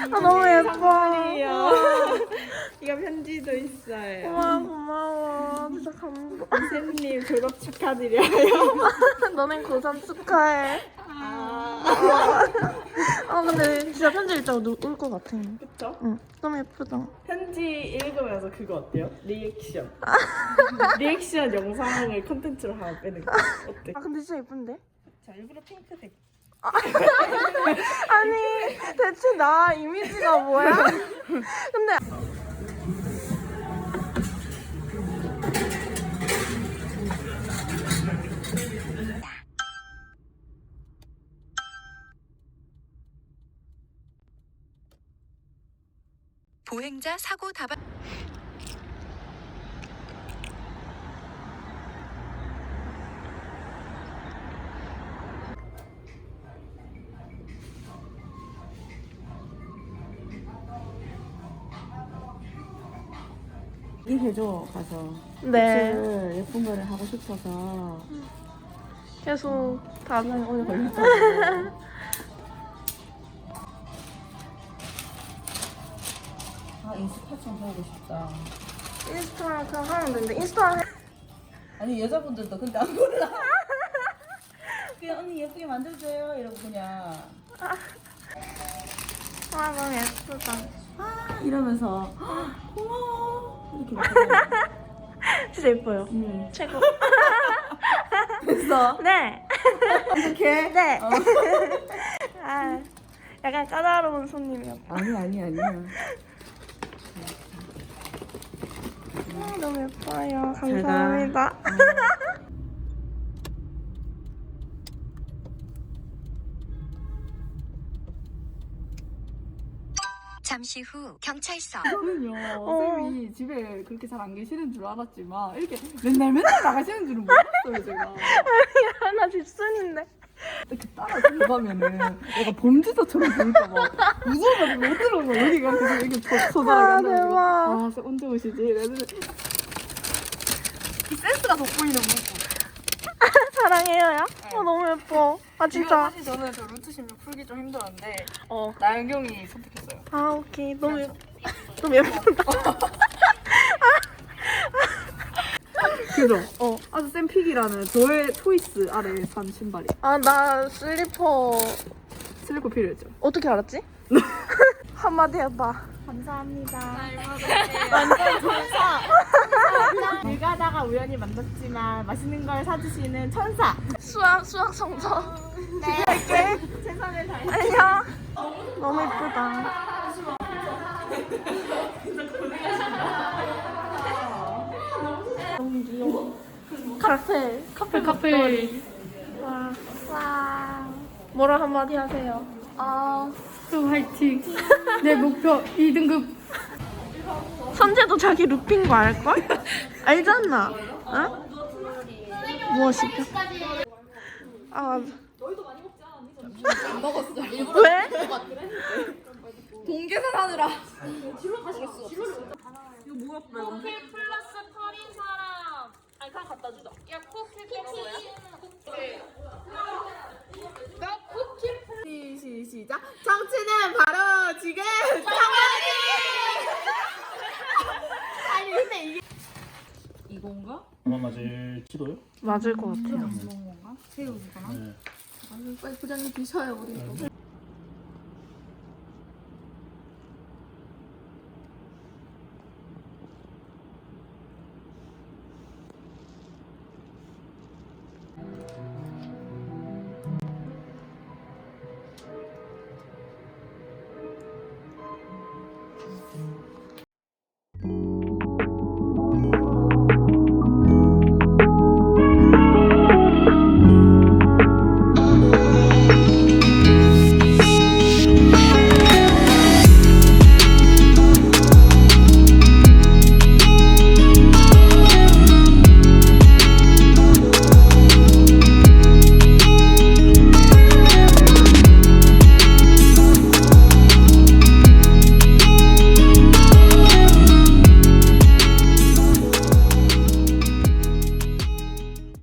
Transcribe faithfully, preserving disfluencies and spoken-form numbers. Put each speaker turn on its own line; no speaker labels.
아 너무 예뻐.
이거 편지도 있어요.
와 고마워. 진짜 감동.
선생님 졸업 축하드려요.
너넨 고삼 축하해.
아,
아 근데 진짜 편지 읽다가 울것 같아.
그쵸?
응. 너무 예쁘다.
편지 읽으면서 그거 어때요? 리액션. 리액션 영상을 컨텐츠로 하나 빼는 거 어때?
아 근데 진짜 예쁜데?
자, 일부러 핑크색.
아니 대체 나 이미지가 뭐야? 근데
보행자 사고 다발.
얘기해줘 가서.
네
그 예쁜 거를 하고 싶어서.
계속 다
시간이 오래 걸렸잖아. 아 인스타 좀 해보고 싶다.
인스타랑 그냥 하면 되는데 인스타
아니 여자분들도 근데 안 몰라. 그냥 언니 예쁘게 만들어줘요 이러고 그냥
아 너무 예쁘다.
아 이러면서 아, 고마워 이렇게 말해요.
진짜 예뻐요.
응.
최고.
됐어.
네.
이렇게?
네.
어.
아 약간 까다로운 손님이었다.
아니 아니 아니야.
아, 너무 예뻐요. 감사합니다.
잠시 후 경찰서.
저는요
어.
쌤이 집에 그렇게 잘 안 계시는 줄 알았지만 이렇게 맨날 맨날 나가시는 줄은 몰랐어요 제가.
나 집순인데.
이렇게 따라 들어가면은 내가 범죄자처럼 보니까 막 무서워가지고 못 들어가 여기가 계속 이렇게 소설하게
아,
한다고
대박.
아 쌤 언제 오시지? 이랬는데 이 센스가 돋보이는 모습.
사랑해요, 야? 어, 너무 예뻐. 아, 진짜.
사실 저는 저 루트 십육 풀기 좀 힘들었는데
어.
나연경이 선택했어요.
아, 오케이. 너무, 예... 너무 예쁘다.
그죠?
어.
아주 쌤픽이라는 저의 초이스 아래 산 신발이
아, 나 슬리퍼
슬리퍼 필요했죠.
어떻게 알았지? 한마디 해봐.
감사합니다. 완전 천사. 길 가다가 우연히 만났지만 맛있는 걸 사주시는 천사.
수학, 수학 성적.
네.
할게.
최선을 다해.
안녕. 너무 예쁘다. 너무 귀여워. 카페. 카페, 카페. 와. 와. 뭐라 한마디 하세요?
아, 또 화이팅. 내 목표 이 등급.
선재도 자기 룹인 거 알걸? 알잖아. 어? 무엇이죠? 아, 너희도 많이 먹지 않았니? 안 먹었어. 왜?
동계산 하느라.
쿠키 플러스 펄인 사람. 아니 그냥 갖다 주자. 야 쿠키 뭐야? 나 쿠키 플.
시, 시, 시작. 정치는 바로 지금 장관이. 아니 근데 이게 이건가?
아마 맞을지도요?
맞을 것 같아요.
이건 건가? 새우이거나?
네.
아유 빨리 부장님 드셔요 우리.